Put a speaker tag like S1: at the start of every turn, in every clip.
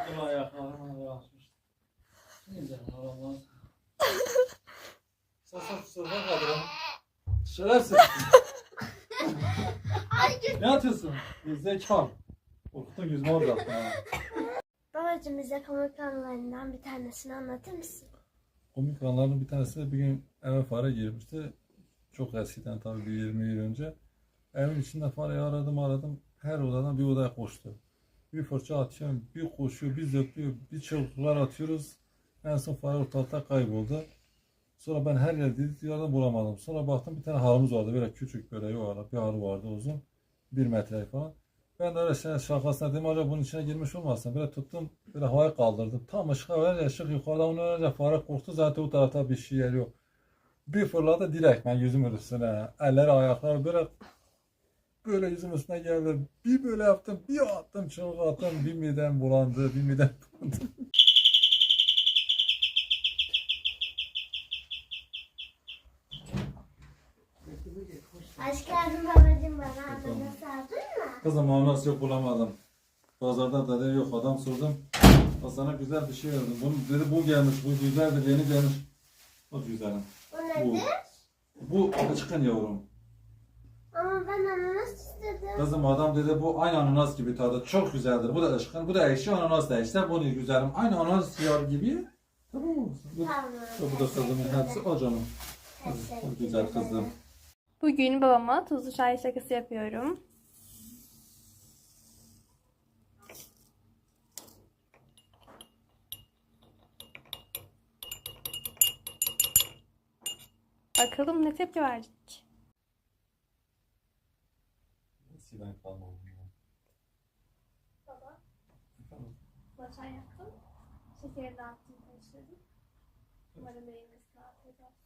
S1: Kul ayaklarına yağışmış. Neyse Allah'ım. Sasa kusura kalırım. Şerefsiz. Ne atıyorsun? Zekalı. Korktun yüzüme olacaktın ha.
S2: Babacığım bize komik anılarından bir tanesini anlatır mısın?
S3: Komik anlarının bir tanesi bir gün eve fare girmişti. Çok eskiden tabii bir 20 yıl önce. Evin içinde fareyi aradım. Her odadan bir odaya koştu. Bir fırça atıyorum, bir koşuyor, bir zıplıyor, bir çığlıklar atıyoruz. En son fare ortalıkta kayboldu. Sonra ben her yerden bulamadım. Sonra baktım bir tane halımız vardı. Böyle küçük böyle yuvarlak bir halı vardı uzun. 1 metre falan. Ben de öyle şakasına dedim acaba bunun içine girmiş olmasın. Böyle tuttum, böyle havaya kaldırdım. Tam ışığa verince ışık yukarıdan onu verince fare korktu. Zaten o tarafta bir şey yer yok. Bir fırladı direkt ben yüzümün üstüne. Eller ayaklar böyle yüzüm üstüne geldi. Bir böyle yaptım, bir attım, çığlık attım. Bir midem bulandı, bir midem bulandı.
S2: Hoş geldin babacığım, bana ananas aldın mı?
S3: Kızım ananas yok bulamadım. Pazarda da yok adam sordum. Sana güzel bir şey verdim. Bunu dedi bu gelmiş, bu güzeldir, yeni gelmiş. O güzelim.
S2: Bu nedir?
S3: Bu çıkın yavrum.
S2: Ama ben ananas istedim.
S3: Kızım adam dedi bu aynı ananas gibi tadı çok güzeldir. Bu da ışkın, bu da ekşi ananas da işte bunu güzelim. Aynı ananas yar gibi. Tamam mı?
S2: Tamam.
S3: Bu da kızımın hepsi o canım. O güzel kızım.
S4: Bugün babama tuzlu çay şakası yapıyorum. Bakalım ne tepki verecek.
S3: Eskiden kalmadı.
S4: Baba, çay yaptım. Şekeri dağıttım, karıştırdım. Umarım beğenirsin, afiyet olsun.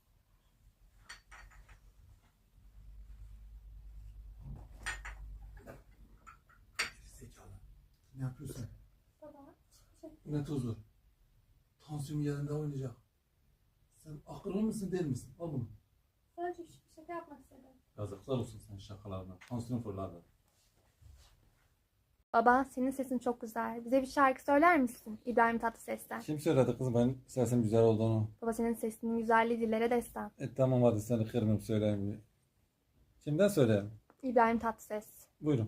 S3: Zekalı. Ne yapıyorsun?
S4: Baba,
S3: Ne tuzu? Tansiyon yerinde oynayacak. Sen akıllı mısın değil misin? Al bunu.
S4: sadece küçük bir şaka yapmak istedim.
S3: Yazıklar olsun sen şakalarına. Tansiyon fırladı.
S4: Baba, senin sesin çok güzel. Bize bir şarkı söyler misin? İbrahim Tatlıses'ten.
S3: Kim söyledi kızım ben sesim güzel olduğunu?
S4: Baba, senin sesinin güzelliği dillere destan.
S3: Tamam hadi seni kırmayayım söyleyeyim bir. Kimden söyleyeyim?
S4: İbrahim Tatlıses.
S3: Buyurun.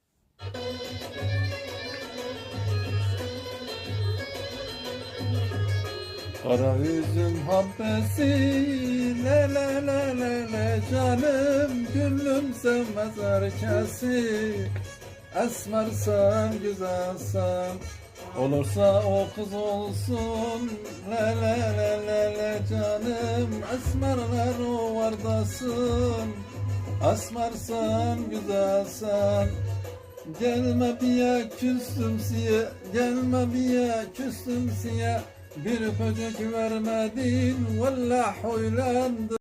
S3: Kara üzüm habbesi le le le le le canım gönlüm sevmez herkesi. Esmersen güzelsen olursa o kız olsun le le le le le canım esmerler o vardasın. Esmersen güzelsen gelme biye küstüm siye, gelme biye küstüm siye. Bir öpücük vermedin, vallahi huylandım.